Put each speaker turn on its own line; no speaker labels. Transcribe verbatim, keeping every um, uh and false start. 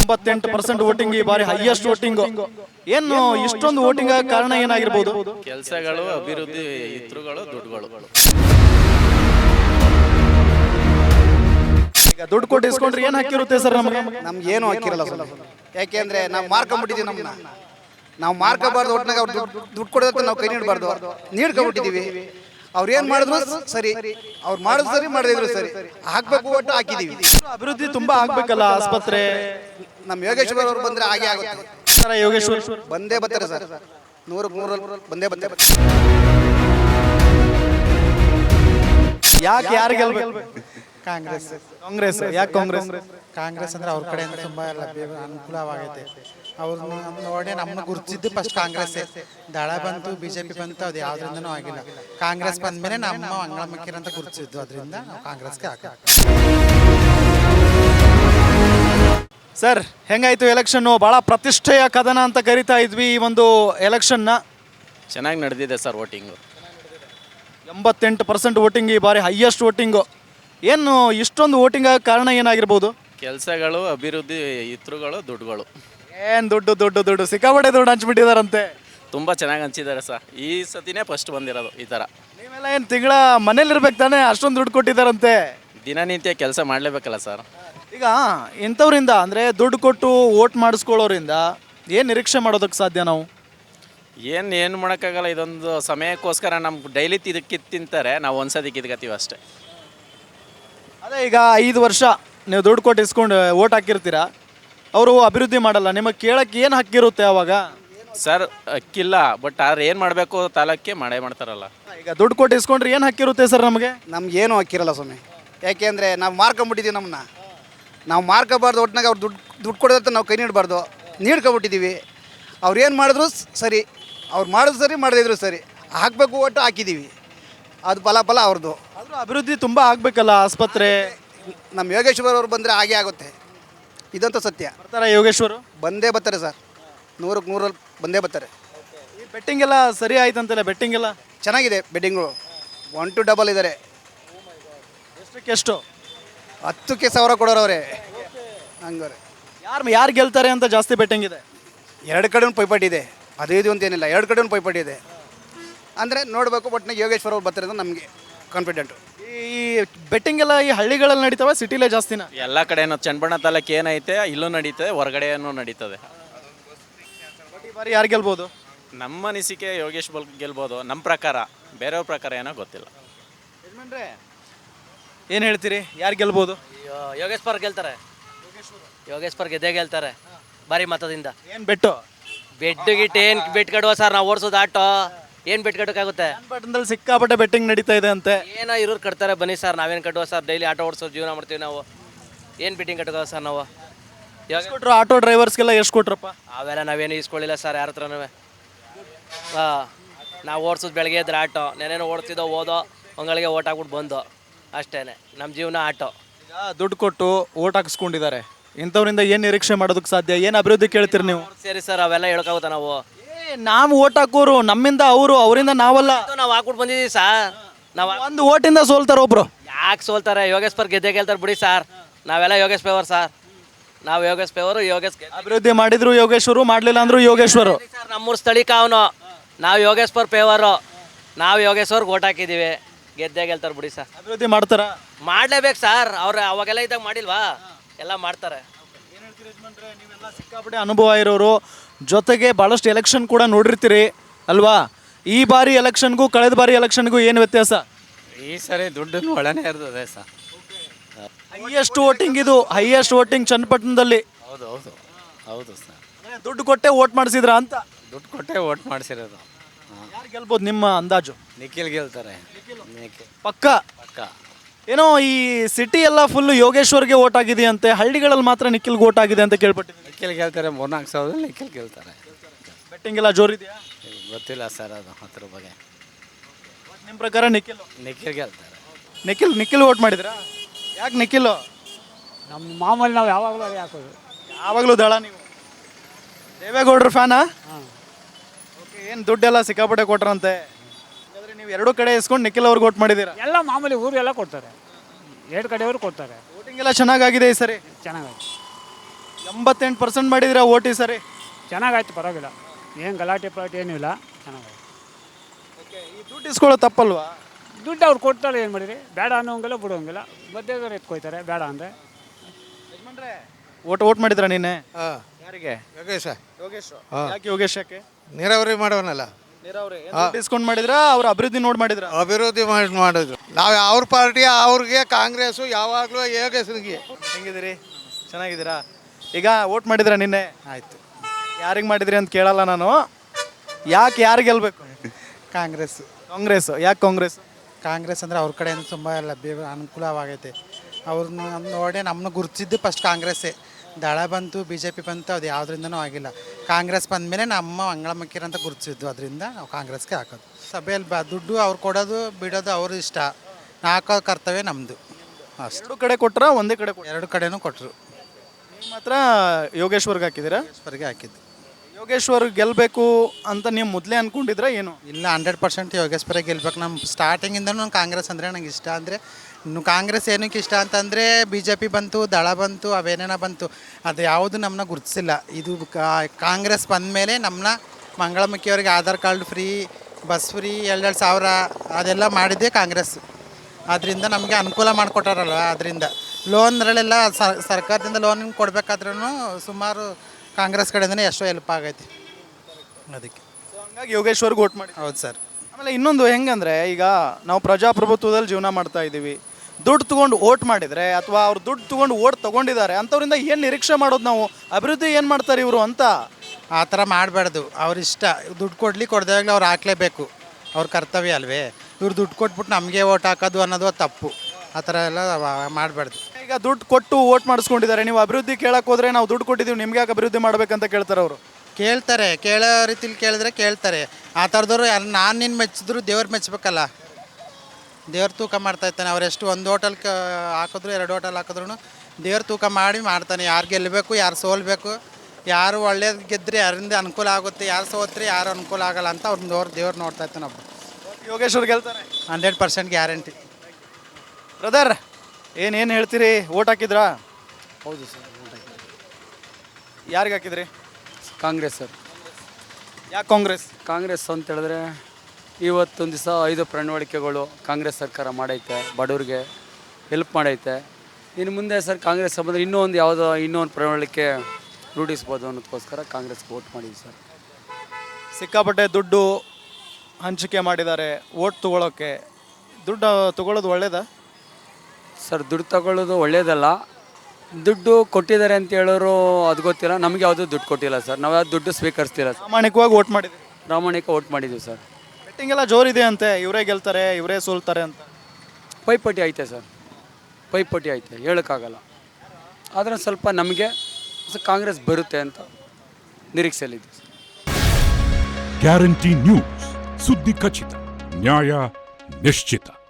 ಎಂಬತ್ತೆಂಟು percent voting ಈ ಬಾರಿ ಹೈಯೆಸ್ಟ್ ವೋಟಿಂಗ್. ಏನು ಇಷ್ಟೊಂದು ವೋಟಿಂಗ್ ಆಗ ಕಾರಣ ಏನಾಗಿರ್ಬೋದು?
ಕೆಲಸಗಳು, ಅಭಿವೃದ್ಧಿ, ಇತ್ರುಗಳು, ದುಡ್ಡುಗಳು.
ಈಗ ದುಡ್ಡು ಕೊಟ್ಟು ಇಸ್ಕೊಂಡ್ರೆ ಏನ್ ಹಾಕಿರುತ್ತೆ ಸರ್ ನಮಗೆ?
ನಮ್ಗೆ ಏನು ಹಾಕಿರಲ್ಲ ಸರ್. ಯಾಕೆಂದ್ರೆ ನಾವು ಮಾರ್ಕೊಂಡ್ಬಿಟ್ಟಿದೀವಿ. ನಮ್ಮನ್ನ ನಾವು ಮಾರ್ಕೋಬಾರ್ದು. ಒಟ್ಟಿನಾಗ ಅವ್ರು ದುಡ್ಡು ಕೊಡೋದಕ್ಕೆ ನಾವು ಕೈ ನೀಡಬಾರ್ದು. ನೀಡ್ಕೊಂಡ್ಬಿಟ್ಟಿದೀವಿ. ಅವ್ರು ಏನ್ ಮಾಡಿದ್ರು ಸರಿ, ಅವ್ರು ಮಾಡಿದ್ರು ಸರಿ, ಮಾಡದಿದ್ರು ಸರಿ, ಹಾಕ್ಬೇಕು ಒಟ್ಟು ಹಾಕಿದೀವಿ.
ಅಭಿವೃದ್ಧಿ ತುಂಬಾ ಆಗ್ಬೇಕಲ್ಲ. ಆಸ್ಪತ್ರೆ
ನಮ್ಮ ಯೋಗೇಶ್ವರ್ ಅವ್ರು ಬಂದ್ರೆ ಹಾಗೆ ಆಗುತ್ತೆ.
ಯೋಗೇಶ್ವರ್
ಬಂದೇ ಬರ್ತಾರೆ ಸರ್, ನೂರಕ್ಕೆ ನೂರಲ್ಲಿ ಬಂದೇ ಬರ್ತಾರೆ.
ಯಾಕೆ ಯಾರು ಗೆಲ್ಬೇಕು?
ಕಾಂಗ್ರೆಸ್.
ಕಾಂಗ್ರೆಸ್. ಯಾಕೆ ಕಾಂಗ್ರೆಸ್?
ಕಾಂಗ್ರೆಸ್ ಅಂದ್ರೆ ಅವ್ರ ಕಡೆಯಿಂದ ತುಂಬಾ ಲಭ್ಯ ಅನುಕೂಲವಾಗೈತೆ. ಅವ್ರನ್ನ ನೋಡಿ ನಮ್ಮನ್ನ ಗುರುತಿದ್ದು ಫಸ್ಟ್ ಕಾಂಗ್ರೆಸ್. ದಳ ಬಂತು, ಬಿಜೆಪಿ ಬಂತು, ಅದು ಯಾವ್ದ್ರಿಂದನೂ ಆಗಿಲ್ಲ. ಕಾಂಗ್ರೆಸ್ ಬಂದ್ಮೇಲೆ ನಮ್ಮ ಅಂಗಳಮಕ್ಕಿರ ಅಂತ ಗುರುತಿಸಿದ್ದು, ಅದರಿಂದ ನಾವು ಕಾಂಗ್ರೆಸ್ಗೆ ಹಾಕ.
ಸರ್, ಹೆಂಗಾಯ್ತು ಎಲೆಕ್ಷನ್? ಬಹಳ ಪ್ರತಿಷ್ಠೆಯ ಕದನ ಅಂತ ಕರಿತಾ ಇದ್ವಿ ಈ ಒಂದು ಎಲೆಕ್ಷನ್ನ.
ಚೆನ್ನಾಗಿ ನಡೆದಿದೆ ಸರ್ ವೋಟಿಂಗು.
ಎಂಬತ್ತೆಂಟು ಪರ್ಸೆಂಟ್ ವೋಟಿಂಗ್ ಈ ಬಾರಿ ಹೈಯೆಸ್ಟ್ ವೋಟಿಂಗು. ಏನು ಇಷ್ಟೊಂದು ವೋಟಿಂಗ್ ಆಗ ಕಾರಣ ಏನಾಗಿರ್ಬೋದು?
ಕೆಲಸಗಳು, ಅಭಿವೃದ್ಧಿ, ಇತ್ರುಗಳು, ದುಡ್ಡುಗಳು.
ಏನು ದುಡ್ಡು ದುಡ್ಡು ದುಡ್ಡು ಸಿಕ್ಕಾಪಟ್ಟೆ ದುಡ್ಡು ಹಂಚ್ಬಿಟ್ಟಿದಾರಂತೆ.
ತುಂಬ ಚೆನ್ನಾಗಿ ಹಂಚಿದ್ದಾರೆ ಸರ್. ಈ ಸತಿನೇ ಫಸ್ಟ್ ಬಂದಿರೋದು ಈ ಥರ.
ನೀವೆಲ್ಲ ಏನು ತಿಂಗಳ ಮನೇಲಿರ್ಬೇಕು ತಾನೇ, ಅಷ್ಟೊಂದು ದುಡ್ಡು ಕೊಟ್ಟಿದ್ದಾರಂತೆ.
ದಿನನಿತ್ಯ ಕೆಲಸ ಮಾಡಲೇಬೇಕಲ್ಲ ಸರ್.
ಈಗ ಇಂಥವ್ರಿಂದ ಅಂದರೆ ದುಡ್ಡು ಕೊಟ್ಟು ವೋಟ್ ಮಾಡಿಸ್ಕೊಳ್ಳೋರಿಂದ ಏನು ನಿರೀಕ್ಷೆ ಮಾಡೋದಕ್ಕೆ ಸಾಧ್ಯ ನಾವು?
ಏನು ಏನು ಮಾಡೋಕ್ಕಾಗಲ್ಲ. ಇದೊಂದು ಸಮಯಕ್ಕೋಸ್ಕರ ನಮ್ಗೆ ಡೈಲಿ ತಿದಕ್ಕಿತ್ತು ತಿಂತಾರೆ, ನಾವು ಒಂದ್ಸತಿ ಕಿತ್ಕತ್ತೀವಿ ಅಷ್ಟೇ.
ಅದೇ ಈಗ ಐದು ವರ್ಷ ನೀವು ದುಡ್ಡು ಕೊಟ್ಟು ಇಸ್ಕೊಂಡು ವೋಟ್ ಹಾಕಿರ್ತೀರ, ಅವರು ಅಭಿವೃದ್ಧಿ ಮಾಡಲ್ಲ, ನಿಮಗೆ ಕೇಳಕ್ಕೆ ಏನು ಹಕ್ಕಿರುತ್ತೆ ಅವಾಗ?
ಸರ್ ಅಕ್ಕಿಲ್ಲ, ಬಟ್ ಆದ್ರೆ ಏನು ಮಾಡಬೇಕು ತಾಲೂಕಿಗೆ ಮಾಡೇ ಮಾಡ್ತಾರಲ್ಲ.
ಈಗ ದುಡ್ಡು ಕೊಟ್ಟು ಇಸ್ಕೊಂಡ್ರೆ ಏನು ಹಕ್ಕಿರುತ್ತೆ ಸರ್ ನಮಗೆ?
ನಮ್ಗೆ ಏನು ಹಾಕಿರಲ್ಲ ಸ್ವಾಮಿ. ಯಾಕೆಂದರೆ ನಾವು ಮಾರ್ಕೊಂಡ್ಬಿಟ್ಟಿದ್ದೀವಿ. ನಮ್ಮನ್ನ ನಾವು ಮಾರ್ಕೋಬಾರ್ದು. ಒಟ್ಟಿನಾಗ ಅವ್ರು ದುಡ್ಡು ದುಡ್ಡು ಕೊಡೋದಕ್ಕೆ ನಾವು ಕೈ ನೀಡಬಾರ್ದು. ನೀಡ್ಕೊಂಡ್ಬಿಟ್ಟಿದ್ದೀವಿ. ಅವ್ರು ಏನು ಮಾಡಿದ್ರು ಸರಿ, ಅವ್ರು ಮಾಡಿದ್ರು ಸರಿ, ಮಾಡದಿದ್ರು ಸರಿ, ಹಾಕಬೇಕು ಒಟ್ಟು ಹಾಕಿದ್ದೀವಿ. ಅದು ಫಲ ಫಲ ಅವ್ರದ್ದು.
ಆದರೂ ಅಭಿವೃದ್ಧಿ ತುಂಬ ಆಗಬೇಕಲ್ಲ. ಆಸ್ಪತ್ರೆ
ನಮ್ಮ ಯೋಗೇಶ್ವರ್ ಅವ್ರು ಬಂದರೆ ಹಾಗೆ ಆಗುತ್ತೆ. ಇದಂತೂ ಸತ್ಯ.
ಬರ್ತಾರೆ ಯೋಗೇಶ್ವರು?
ಬಂದೇ ಬರ್ತಾರೆ ಸರ್, ನೂರಕ್ಕೆ ನೂರಲ್ಲಿ ಬಂದೇ ಬರ್ತಾರೆ.
ಈ ಬೆಟ್ಟಿಂಗ್ ಎಲ್ಲ ಸರಿ ಆಯ್ತಂತಲ್ಲ? ಬೆಟ್ಟಿಂಗ್ ಎಲ್ಲ
ಚೆನ್ನಾಗಿದೆ. ಬೆಡ್ಡಿಂಗು ಒನ್ ಟು ಡಬಲ್ ಇದ್ದಾರೆ.
ಎಷ್ಟಕ್ಕೆ ಎಷ್ಟು?
ಹತ್ತಕ್ಕೆ ಸಾವಿರ ಕೊಡೋರವ್ರೆ. ಹಂಗಾರೆ
ಯಾರು ಯಾರು ಗೆಲ್ತಾರೆ ಅಂತ ಜಾಸ್ತಿ ಬೆಟ್ಟಿಂಗ್ ಇದೆ?
ಎರಡು ಕಡೆ ಪೈಪೋಟಿ ಇದೆ. ಅದು ಇದು ಅಂತೇನಿಲ್ಲ, ಎರಡು ಕಡೆ ಪೈಪೋಟಿ ಇದೆ. ಅಂದರೆ ನೋಡಬೇಕು. ಒಟ್ಟಿನಾಗ ಯೋಗೇಶ್ವರ್ ಅವ್ರು ಬರ್ತಾರೆ ಅಂತ ನಮಗೆ ಕಾನ್ಫಿಡೆಂಟು.
ಈ ಬೆಟ್ಟಿಂಗ್ ಎಲ್ಲ ಈ ಹಳ್ಳಿಗಳಲ್ಲಿ ನಡೀತಾವ, ಸಿಟಿಲೇ ಜಾಸ್ತಿನ?
ಎಲ್ಲ ಕಡೆನೂ ಚನ್ನಬಣ್ಣ ತಾಲೂಕು ಏನೈತೆ ಇಲ್ಲೂ ನಡೀತದೆ, ಹೊರಗಡೆನೂ ನಡೀತದೆ.
ಈ ಬಾರಿ ಯಾರು ಗೆಲ್ಬೋದು?
ನಮ್ಮ ಅನಿಸಿಕೆ ಯೋಗೇಶ್ ಬಲ್ ಗೆಲ್ಬೋದು. ನಮ್ಮ ಪ್ರಕಾರ, ಬೇರೆಯವ್ರ ಪ್ರಕಾರ ಏನೋ ಗೊತ್ತಿಲ್ಲ.
ಯಜಮಾನ್ರೆ ಏನು ಹೇಳ್ತೀರಿ? ಯಾರು ಗೆಲ್ಬೋದು?
ಯೋಗೇಶ್ವರ್ ಗೆಲ್ತಾರೆ. ಯೋಗೇಶ್ವರ್ ಗೆದ್ದೇ ಗೆಲ್ತಾರೆ ಭಾರಿ ಮತದಿಂದ.
ಏನು ಬೆಟ್ಟು?
ಬೆಡ್ ಗಿಟ್ ಏನು ಬೆಟ್ ಕಡುವ ಸರ್? ನಾವು ಓಡಿಸೋದು ಆಟೋ ಏನು ಬೆಟ್ ಕಟ್ಟೋಕ್ಕಾಗುತ್ತೆ?
ಪಟ್ಟಣದಲ್ಲಿ ಸಿಕ್ಕಾಪಟ್ಟೆ ಬೆಟ್ಟಿಂಗ್ ನಡೀತಾ ಇದೆ ಅಂತೆ.
ಏನೋ ಇರೋರು ಕಟ್ತಾರೆ, ಬನ್ನಿ ಸರ್. ನಾವೇನು ಕಟ್ಟುವ ಸರ್? ಡೈಲಿ ಆಟೋ ಓಡಿಸೋ ಜೀವನ ಮಾಡ್ತೀವಿ ನಾವು. ಏನು ಬೆಟ್ಟಿಂಗ್ ಕಟ್ಟೋದ ಸರ್ ನಾವು?
ಎಷ್ಟು ಕೊಟ್ಟರು ಆಟೋ ಡ್ರೈವರ್ಸ್ಗೆಲ್ಲ? ಎಷ್ಟು ಕೊಟ್ರಪ್ಪ?
ಅವೆಲ್ಲ ನಾವೇನು ಇಸ್ಕೊಳ್ಳಿಲ್ಲ ಸರ್ ಯಾರ ಹತ್ರನೂ. ಹಾಂ, ನಾವು ಓಡಿಸೋದು ಬೆಳಗ್ಗೆ ಇದ್ರೆ ಆಟೋ. ನೆನೇನೋ ಓಡಿಸಿದೋ ಓದೋ ಒಂಗಳಿಗೆ ಓಟ್ ಹಾಕ್ಬಿಟ್ಟು ಬಂದು ಅಷ್ಟೇ. ನಮ್ಮ ಜೀವನ ಆಟೋ.
ಈಗ ದುಡ್ಡು ಕೊಟ್ಟು ಓಟ್ ಹಾಕಿಸ್ಕೊಂಡಿದ್ದಾರೆ, ಇಂಥವ್ರಿಂದ ಏನು ನಿರೀಕ್ಷೆ ಮಾಡೋದಕ್ಕೆ ಸಾಧ್ಯ? ಏನು ಅಭಿವೃದ್ಧಿ ಕೇಳ್ತೀರಿ ನೀವು?
ಸರಿ ಸರ್, ಅವೆಲ್ಲ ಹೇಳ್ಕಾಗುತ್ತಾ ನಾವು?
ಏ ನಾವು ಓಟ್ ಹಾಕೋರು, ನಮ್ಮಿಂದ ಅವರು, ಅವರಿಂದ ನಾವಲ್ಲ.
ನಾವು ಹಾಕ್ಬಿಟ್ಟು ಬಂದಿದ್ದೀವಿ ಸರ್. ನಾವು
ಒಂದು ಓಟಿಂದ ಸೋಲ್ತಾರೆ ಒಬ್ರು.
ಯಾಕೆ ಸೋಲ್ತಾರೆ? ಯೋಗೇಶ್ವರ್ ಗೆದ್ದೆ ಗೆಲ್ತಾರೆ ಬಿಡಿ ಸರ್. ನಾವೆಲ್ಲ ಯೋಗೇಶ್ ಪೇವರ್ ಸರ್. ನಾವು ಯೋಗೇಶ್ ಪೇವರು. ಯೋಗೇಶ್
ಅಭಿವೃದ್ಧಿ ಮಾಡಿದ್ರು ಯೋಗೇಶ್ವರು, ಮಾಡಲಿಲ್ಲ ಅಂದ್ರು ಯೋಗೇಶ್ವರು.
ಸರ್ ನಮ್ಮೂರು ಸ್ಥಳೀಕ ಅವನು. ನಾವು ಯೋಗೇಶ್ವರ್ ಪೇವರು. ನಾವು ಯೋಗೇಶ್ವರ್ಗೆ ಓಟ್ ಹಾಕಿದ್ದೀವಿ. ಗೆದ್ದೆ ಗೆಲ್ತಾರೆ ಬಿಡಿ ಸರ್.
ಅಭಿವೃದ್ಧಿ ಮಾಡ್ತಾರಾ?
ಮಾಡಲೇಬೇಕು ಸರ್. ಅವ್ರು ಅವಾಗೆಲ್ಲ ಇದ್ದಾಗ ಮಾಡಿಲ್ವಾ? ಎಲ್ಲ ಮಾಡ್ತಾರೆ.
ನೀವೆಲ್ಲ ಸಿಕ್ಕಾಪಟ್ಟೆ ಅನುಭವ ಇರೋರು, ಜೊತೆಗೆ ಭಾಳಷ್ಟು ಎಲೆಕ್ಷನ್ ಕೂಡ ನೋಡಿರ್ತೀರಿ ಅಲ್ವಾ? ಈ ಬಾರಿ ಎಲೆಕ್ಷನ್ಗೂ ಕಳೆದ ಬಾರಿ ಎಲೆಕ್ಷನ್ಗೂ ಏನು ವ್ಯತ್ಯಾಸ?
ಈ ಸರಿ ದುಡ್ಡು ಒಳನೇ ಇರ್ತದೆ ಸರ್.
ಹೈಯೆಸ್ಟ್ ವೋಟಿಂಗ್ ಇದು, ಹೈಯೆಸ್ಟ್ ವೋಟಿಂಗ್ ಚನ್ನಪಟ್ಟಣದಲ್ಲಿ.
ಹೌದು ಹೌದು ಹೌದು ಸರ್.
ದುಡ್ಡು ಕೊಟ್ಟೆ ವೋಟ್ ಮಾಡಿಸಿದ್ರ ಅಂತ?
ದುಡ್ಡು ಕೊಟ್ಟೆ ವೋಟ್ ಮಾಡಿಸಿರೋದು.
ಯಾರು ಗೆಲ್ಬೋದು ನಿಮ್ಮ ಅಂದಾಜು?
ನಿಖಿಲ್ ಗೆಲ್ತಾರೆ. ನಿಖಿಲ್
ಪಕ್ಕ
ಪಕ್ಕ.
ಏನೋ ಈ ಸಿಟಿ ಎಲ್ಲ ಫುಲ್ ಯೋಗೇಶ್ವರ್ಗೆ ಓಟ್ ಆಗಿದೆ ಅಂತೆ, ಹಳ್ಳಿಗಳಲ್ಲಿ ಮಾತ್ರ ನಿಖಿಲ್ಗೆ ಓಟ್ ಆಗಿದೆ ಅಂತ ಕೇಳ್ಪಟ್ಟಿದ್ದೀನಿ.
ನಿಖಿಲ್ ಗೆಲ್ತಾರೆ. ಮೂರ್ನಾಲ್ಕು ಸಾವಿರದಲ್ಲಿ ನಿಖಿಲ್ ಗೆಲ್ತಾರೆ.
ಬೆಟ್ಟಿಂಗ್ ಎಲ್ಲ ಜೋರಿದೆಯಾ?
ಗೊತ್ತಿಲ್ಲ ಸರ್ ಅದು ಅದ್ರ ಬಗ್ಗೆ.
ನಿಮ್ಮ ಪ್ರಕಾರ ನಿಖಿಲ್
ನಿಖಿಲ್ ಗೆಲ್ತಾರೆ.
ನಿಖಿಲ್ ನಿಖಿಲ್ ಓಟ್ ಮಾಡಿದ್ರಾ? ಯಾಕೆ ನಿಖಿಲ್?
ನಮ್ಮ ಮಾಮೂಲಿ ನಾವು ಯಾವಾಗಲೂ ಅದೇ ಹಾಕೋದು.
ಯಾವಾಗಲೂ ದಳ ನೀವು? ದೇವೇಗೌಡರ ಫ್ಯಾನಾ? ಓಕೆ. ಏನು ದುಡ್ಡೆಲ್ಲ ಸಿಕ್ಕಾಪಟ್ಟೆ ಕೊಟ್ರಂತೆ, ನೀವು ಎರಡು ಕಡೆ ಇಸ್ಕೊಂಡು ನಿಖಿಲ್ ಅವ್ರಿಗೆ ಓಟ್ ಮಾಡಿದ್ದೀರಾ?
ಎಲ್ಲ ಮಾಮೂಲಿ ಊರು ಎಲ್ಲ ಕೊಡ್ತಾರೆ, ಎರಡು ಕಡೆಯವರು ಕೊಡ್ತಾರೆ.
ವೋಟಿಂಗ್ ಎಲ್ಲ ಚೆನ್ನಾಗಾಗಿದೆ ಈ ಸರಿ?
ಚೆನ್ನಾಗಾಯ್ತು.
ಎಂಬತ್ತೆಂಟು ಪರ್ಸೆಂಟ್ ಮಾಡಿದಿರಾ ಓಟ್ ಈ ಸರಿ.
ಚೆನ್ನಾಗಾಯ್ತು, ಪರವಾಗಿಲ್ಲ, ಏನು ಗಲಾಟೆ ಪಲಾಟೆ ಏನೂ ಇಲ್ಲ, ಚೆನ್ನಾಗಾಯ್ತು.
ಈ ದುಡ್ಡು ಇಸ್ಕೊಳ್ಳೋ ತಪ್ಪಲ್ವಾ?
ದುಡ್ಡು ಅವ್ರು ಕೊಡ್ತಾರೆ, ಏನು ಮಾಡಿರಿ, ಬೇಡ ಅನ್ನೋಂಗಿಲ್ಲ ಬಿಡೋಂಗಿಲ್ಲ, ಮಧ್ಯದವ್ರು ಎತ್ಕೊಯ್ತಾರೆ ಬೇಡ ಅಂದರೆ.
ಓಟ್ ಓಟ್ ಮಾಡಿದ್ರಾ ನಿನ್ನೆ?
ಹಾಂ
ಯಾರಿಗೆ?
ಯೋಗೇಶ
ಯೋಗೇಶ್.
ಹಾಂ.
ಯಾಕೆ ಯೋಗೇಶ್ ಯಾಕೆ?
ನೀರಾವರಿ ಮಾಡೋನಲ್ಲ,
ಡಿಸ್ಕೌಂಟ್ ಮಾಡಿದ್ರಾ ಅವ್ರ ಅಭಿವೃದ್ಧಿ ನೋಡಿ ಮಾಡಿದ್ರ?
ಅಭಿವೃದ್ಧಿ ಮಾಡಿ ಮಾಡಿದ್ರು. ನಾವು ಅವ್ರ ಪಾರ್ಟಿ ಅವ್ರಿಗೆ ಕಾಂಗ್ರೆಸ್ಸು ಯಾವಾಗಲೂ ಯೋಗೇಶನಿಗೆ.
ಹೆಂಗಿದ್ದೀರಿ? ಚೆನ್ನಾಗಿದ್ದೀರಾ? ಈಗ ಓಟ್ ಮಾಡಿದ್ರಾ ನಿನ್ನೆ?
ಆಯಿತು.
ಯಾರಿಗೆ ಮಾಡಿದ್ರಿ ಅಂತ ಕೇಳಲ್ಲ ನಾನು. ಯಾಕೆ ಯಾರು ಗೆಲ್ಬೇಕು?
ಕಾಂಗ್ರೆಸ್.
ಕಾಂಗ್ರೆಸ್. ಯಾಕೆ ಕಾಂಗ್ರೆಸ್?
ಕಾಂಗ್ರೆಸ್ ಅಂದರೆ ಅವ್ರ ಕಡೆಯಿಂದ ತುಂಬ ಲಭ್ಯ ಅನುಕೂಲವಾಗೈತೆ. ಅವ್ರನ್ನ ನೋಡಿ ನಮ್ಮನ್ನ ಗುರುತಿದ್ದು ಫಸ್ಟ್ ಕಾಂಗ್ರೆಸ್ಸೇ. ದಳ ಬಂತು, ಬಿ ಜೆ ಪಿ ಬಂತು, ಅದು ಯಾವುದರಿಂದನೂ ಆಗಿಲ್ಲ. ಕಾಂಗ್ರೆಸ್ ಬಂದಮೇಲೆ ನಮ್ಮ ಅಂಗಳಮಕ್ಕಿರ ಅಂತ ಗುರುತಿಸಿದ್ದು, ಅದರಿಂದ ನಾವು ಕಾಂಗ್ರೆಸ್ಗೆ ಹಾಕೋದು. ಸಭೆಯಲ್ಲಿ ಬ ದುಡ್ಡು ಅವ್ರು ಕೊಡೋದು ಬಿಡೋದು ಅವ್ರ ಇಷ್ಟ, ಹಾಕೋ ಕರ್ತವ್ಯ ನಮ್ಮದು ಅಷ್ಟು.
ಎರಡು ಕಡೆ ಕೊಟ್ರ ಒಂದೇ ಕಡೆ ಕೊಟ್ರ?
ಎರಡು ಕಡೆನೂ ಕೊಟ್ಟರು.
ನೀವು ಮಾತ್ರ ಯೋಗೇಶ್ವರ್ಗೆ ಹಾಕಿದ್ದೀರಾ?
ಈಶ್ವರ್ಗೆ ಹಾಕಿದ್ದು.
ಯೋಗೇಶ್ವರ್ ಗೆಲ್ಲಬೇಕು ಅಂತ ನೀವು ಮೊದಲೇ ಅನ್ಕೊಂಡಿದ್ರಾ ಏನು?
ಇಲ್ಲ, ಹಂಡ್ರೆಡ್ ಪರ್ಸೆಂಟ್ ಯೋಗೇಶ್ವರೇ ಗೆಲ್ಬೇಕು. ನಮ್ಮ ಸ್ಟಾರ್ಟಿಂಗಿಂದನೂ ನಂಗೆ ಕಾಂಗ್ರೆಸ್ ಅಂದರೆ ನಂಗೆ ಇಷ್ಟ. ಅಂದರೆ ಇನ್ನು ಕಾಂಗ್ರೆಸ್ ಏನಕ್ಕೆ ಇಷ್ಟ ಅಂತಂದರೆ ಬಿ ಜೆ ಪಿ ಬಂತು, ದಳ ಬಂತು, ಅವೇನೇನೋ ಬಂತು, ಅದು ಯಾವುದು ನಮ್ಮನ್ನ ಗುರುತಿಸಿಲ್ಲ. ಇದು ಕಾಂಗ್ರೆಸ್ ಬಂದಮೇಲೆ ನಮ್ಮನ್ನ ಮಂಗಳಮುಖಿಯವರಿಗೆ Aadhaar card free, bus free, ಎರಡೆರಡು ಸಾವಿರ ಅದೆಲ್ಲ ಮಾಡಿದ್ದೇ ಕಾಂಗ್ರೆಸ್. ಅದರಿಂದ ನಮಗೆ ಅನುಕೂಲ ಮಾಡಿಕೊಟ್ಟಾರಲ್ವ, ಅದರಿಂದ ಲೋನ್ಗಳಲ್ಲೆಲ್ಲ ಸರ್ಕಾರದಿಂದ ಲೋನ್ ಕೊಡಬೇಕಾದ್ರೂ ಸುಮಾರು ಕಾಂಗ್ರೆಸ್ ಕಡೆಯಿಂದನೇ ಎಷ್ಟೋ ಹೆಲ್ಪ್ ಆಗೈತಿ ಅದಕ್ಕೆ.
ಸೊ ಹಂಗಾಗಿ ಯೋಗೇಶ್ವರ್ಗೆ ಓಟ್ ಮಾಡಿ.
ಹೌದು ಸರ್.
ಆಮೇಲೆ ಇನ್ನೊಂದು ಹೆಂಗಂದ್ರೆ, ಈಗ ನಾವು ಪ್ರಜಾಪ್ರಭುತ್ವದಲ್ಲಿ ಜೀವನ ಮಾಡ್ತಾ ಇದ್ದೀವಿ. ದುಡ್ಡು ತೊಗೊಂಡು ಓಟ್ ಮಾಡಿದರೆ ಅಥವಾ ಅವ್ರು ದುಡ್ಡು ತೊಗೊಂಡು ಓಟ್ ತೊಗೊಂಡಿದ್ದಾರೆ ಅಂಥವ್ರಿಂದ ಏನು ನಿರೀಕ್ಷೆ ಮಾಡೋದು ನಾವು? ಅಭಿವೃದ್ಧಿ ಏನು ಮಾಡ್ತಾರೆ ಇವರು ಅಂತ
ಆ ಥರ ಮಾಡಬಾರ್ದು. ಅವ್ರ ಇಷ್ಟ, ದುಡ್ಡು ಕೊಡಲಿ ಕೊಡ್ದಾಗಲೇ ಅವ್ರು ಹಾಕಲೇಬೇಕು, ಅವ್ರ ಕರ್ತವ್ಯ ಅಲ್ವೇ. ಇವ್ರು ದುಡ್ಡು ಕೊಟ್ಬಿಟ್ಟು ನಮಗೆ ಓಟ್ ಹಾಕೋದು ಅನ್ನೋದು ತಪ್ಪು. ಆ ಥರ ಎಲ್ಲ ಮಾಡಬಾರ್ದು.
ಈಗ ದುಡ್ಡು ಕೊಟ್ಟು ಓಟ್ ಮಾಡಿಸ್ಕೊಂಡಿದ್ದಾರೆ, ನೀವು ಅಭಿವೃದ್ಧಿ ಕೇಳಕ್ಕೆ ಹೋದರೆ ನಾವು ದುಡ್ಡು ಕೊಟ್ಟಿದ್ದೀವಿ ನಿಮ್ಗೆ ಯಾಕೆ ಅಭಿವೃದ್ಧಿ ಮಾಡ್ಬೇಕಂತ ಕೇಳ್ತಾರೆ ಅವರು.
ಕೇಳ್ತಾರೆ, ಕೇಳೋ ರೀತಿಲಿ ಕೇಳಿದ್ರೆ ಕೇಳ್ತಾರೆ. ಆ ಥರದವ್ರು ಯಾರು ನಾನು ನಿನ್ನ ಮೆಚ್ಚಿದ್ರು ದೇವ್ರು ಮೆಚ್ಚಬೇಕಲ್ಲ. ದೇವ್ರ ತೂಕ ಮಾಡ್ತಾ ಇರ್ತಾನೆ. ಅವರೆಷ್ಟು ಒಂದು ಹೋಟೆಲ್ ಕ ಹಾಕಿದ್ರು ಎರಡು ಹೋಟೆಲ್ ಹಾಕಿದ್ರು ದೇವ್ರ ತೂಕ ಮಾಡಿ ಮಾಡ್ತಾನೆ. ಯಾರು ಗೆಲ್ಲಬೇಕು, ಯಾರು ಸೋಲ್ಬೇಕು, ಯಾರು ಒಳ್ಳೇದು ಗೆದ್ದರೆ ಯಾರಿಂದ ಅನುಕೂಲ ಆಗುತ್ತೆ, ಯಾರು ಸೋತ್ರೆ ಯಾರು ಅನುಕೂಲ ಆಗಲ್ಲ ಅಂತ ಅವ್ರನ್ನ ದೇವ್ರು ದೇವ್ರು ನೋಡ್ತಾ ಇರ್ತಾನೆ ಒಬ್ಬ.
ಯೋಗೇಶ್ವರ್ ಗೆಲ್ತಾರೆ
ಹಂಡ್ರೆಡ್ ಪರ್ಸೆಂಟ್ ಗ್ಯಾರಂಟಿ.
ಬ್ರದರ್ ಏನೇನು ಹೇಳ್ತೀರಿ? ಓಟ್ ಹಾಕಿದ್ರಾ?
ಹೌದು ಸರ್.
ಯಾರಿಗೆ ಹಾಕಿದ್ರಿ?
ಕಾಂಗ್ರೆಸ್ ಸರ್.
ಯಾಕೆ ಕಾಂಗ್ರೆಸ್?
ಕಾಂಗ್ರೆಸ್ ಅಂತ ಹೇಳಿದ್ರೆ ಇವತ್ತೊಂದು ದಿವಸ ಐದು ಪ್ರಣಾಳಿಕೆಗಳು ಕಾಂಗ್ರೆಸ್ ಸರ್ಕಾರ ಮಾಡೈತೆ, ಬಡವ್ರಿಗೆ ಹೆಲ್ಪ್ ಮಾಡೈತೆ. ಇನ್ನು ಮುಂದೆ ಸರ್ ಕಾಂಗ್ರೆಸ್ ಬಂದರೆ ಇನ್ನೂ ಒಂದು ಯಾವುದೋ ಇನ್ನೂ ಒಂದು ಪ್ರಣಾಳಿಕೆ ರೂಢಿಸ್ಬೋದು ಅನ್ನೋದಕ್ಕೋಸ್ಕರ ಕಾಂಗ್ರೆಸ್ಗೆ ವೋಟ್ ಮಾಡಿದ್ವಿ ಸರ್.
ಸಿಕ್ಕಾಪಟ್ಟೆ ದುಡ್ಡು ಹಂಚಿಕೆ ಮಾಡಿದ್ದಾರೆ ಓಟ್ ತೊಗೊಳೋಕ್ಕೆ. ದುಡ್ಡು ತೊಗೊಳ್ಳೋದು ಒಳ್ಳೇದಾ
ಸರ್? ದುಡ್ಡು ತಗೊಳ್ಳೋದು ಒಳ್ಳೆಯದಲ್ಲ. ದುಡ್ಡು ಕೊಟ್ಟಿದ್ದಾರೆ ಅಂತ ಹೇಳೋರು ಅದು ಗೊತ್ತಿಲ್ಲ. ನಮಗೆ ಯಾವುದೂ ದುಡ್ಡು ಕೊಟ್ಟಿಲ್ಲ ಸರ್. ನಾವು ಯಾವ್ದು ದುಡ್ಡು ಸ್ವೀಕರಿಸ್ತಿಲ್ಲ ಸರ್.
ಪ್ರಾಮಾಣಿಕವಾಗಿ ಓಟ್ ಮಾಡಿದ್ರಿ?
ಪ್ರಾಮಾಣಿಕ ವೋಟ್ ಮಾಡಿದ್ದೀವಿ ಸರ್.
ಬೆಟ್ಟಿಂಗ್ ಎಲ್ಲ ಜೋರಿದೆ ಅಂತೆ, ಇವರೇ ಗೆಲ್ತಾರೆ ಇವರೇ ಸೋಲ್ತಾರೆ ಅಂತ.
ಪೈಪೋಟಿ ಐತೆ ಸರ್, ಪೈಪೋಟಿ ಐತೆ, ಹೇಳೋಕ್ಕಾಗಲ್ಲ. ಆದರೆ ಸ್ವಲ್ಪ ನಮಗೆ ಕಾಂಗ್ರೆಸ್ ಬರುತ್ತೆ ಅಂತ ನಿರೀಕ್ಷೆಯಲ್ಲಿದ್ದೀವಿ ಸರ್.
ಗ್ಯಾರಂಟಿ ನ್ಯೂಸ್, ಸುದ್ದಿ ಖಚಿತ, ನ್ಯಾಯ ನಿಶ್ಚಿತ.